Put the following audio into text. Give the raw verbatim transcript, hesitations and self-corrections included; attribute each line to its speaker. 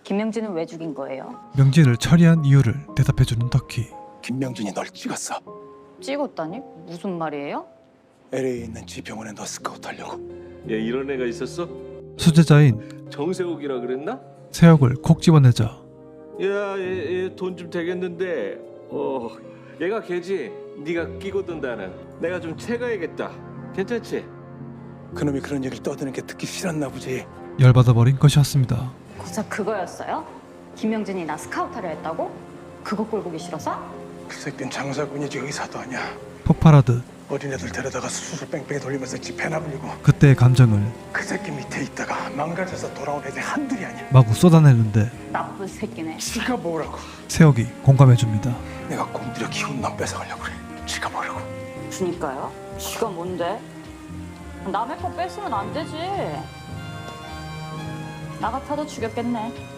Speaker 1: 김명진은 왜 죽인 거예요?
Speaker 2: 명진을 처리한 이유를 대답해주는 덕희.
Speaker 3: 김명진이 널 찍었어.
Speaker 1: 찍었다니? 무슨 말이에요?
Speaker 3: 엘에이에 있는 지병원에 너 스카우트 하려고.
Speaker 4: 얘 이런 애가 있었어?
Speaker 2: 수제자인
Speaker 4: 정세욱이라 그랬나?
Speaker 2: 세혁을 콕 집어내자
Speaker 4: 야얘 돈 좀 되겠는데 어 얘가 걔지? 네가 끼고 든다는. 내가 좀 채가야겠다. 괜찮지?
Speaker 3: 그놈이 그런 얘기를 떠드는 게 듣기 싫었나 보지.
Speaker 2: 열받아버린 것이었습니다.
Speaker 1: 고작 그거였어요? 김명진이 나 스카우트를 했다고? 그거 꼴 보기 싫어서?
Speaker 3: 그 새끼는 장사꾼이지 의사도 아니야.
Speaker 2: 폭발하듯
Speaker 3: 어린애들 데려다가 수술 뺑뺑이 돌리면서 집회나 불리고.
Speaker 2: 그때의 감정을
Speaker 3: 그 새끼 밑에 있다가 망가져서 돌아온 애들 한둘이 아니야.
Speaker 2: 마구 쏟아내는데
Speaker 1: 나쁜 새끼네.
Speaker 3: 지가 뭐라고.
Speaker 2: 세혁이 공감해줍니다.
Speaker 3: 내가 공들여 키운 놈 뺏어가려고 그래. 지가 뭐라고.
Speaker 1: 그니까요. 지가 뭔데? 남의 거 뺏으면 안 되지. 나 같아도 죽였겠네.